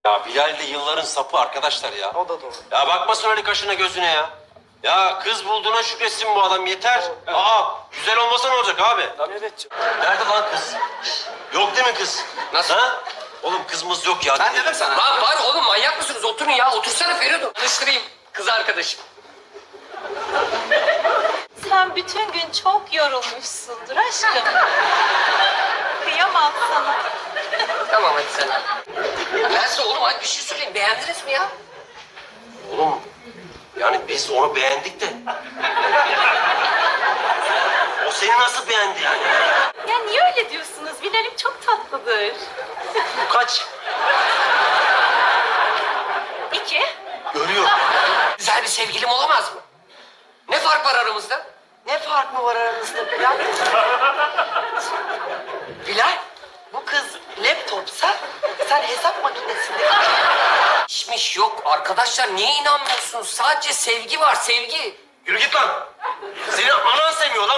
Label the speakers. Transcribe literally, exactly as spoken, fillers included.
Speaker 1: Ya Bilal de yılların sapı arkadaşlar ya.
Speaker 2: O da doğru.
Speaker 1: Ya bakmasın öyle kaşına gözüne ya. Ya kız bulduğuna şükretsin bu adam yeter.
Speaker 2: Evet.
Speaker 1: Aa güzel olmasa ne olacak abi?
Speaker 2: Evet.
Speaker 1: Nerede lan kız? Yok değil mi kız?
Speaker 3: Nasıl?
Speaker 1: Ha? Oğlum kızımız yok ya.
Speaker 2: Ben dedim sana.
Speaker 3: Lan var oğlum, manyak mısınız? Oturun ya, otursana Feridun. Tanıştırayım kız arkadaşım.
Speaker 4: Sen bütün gün çok yorulmuşsundur aşkım. Kıyamam sana.
Speaker 3: Tamam hadi sen. Ben size oğlum hadi bir şey söyleyeyim. Beğendiniz mi ya?
Speaker 1: Oğlum yani biz onu beğendik de. O seni nasıl beğendi yani?
Speaker 4: Ya niye öyle diyorsunuz? Bilal'im çok tatlıdır.
Speaker 1: Bu kaç?
Speaker 4: İki.
Speaker 1: Görüyor.
Speaker 3: Güzel bir sevgilim olamaz mı? Ne fark var aramızda?
Speaker 2: Ne fark mı var aranızda Bilal? Bilal, bu kız laptopsa sen hesap makinesinde.
Speaker 3: İşmiş yok. Arkadaşlar niye inanmıyorsunuz? Sadece sevgi var, sevgi.
Speaker 1: Yürü git lan. Seni anan sevmiyor lan.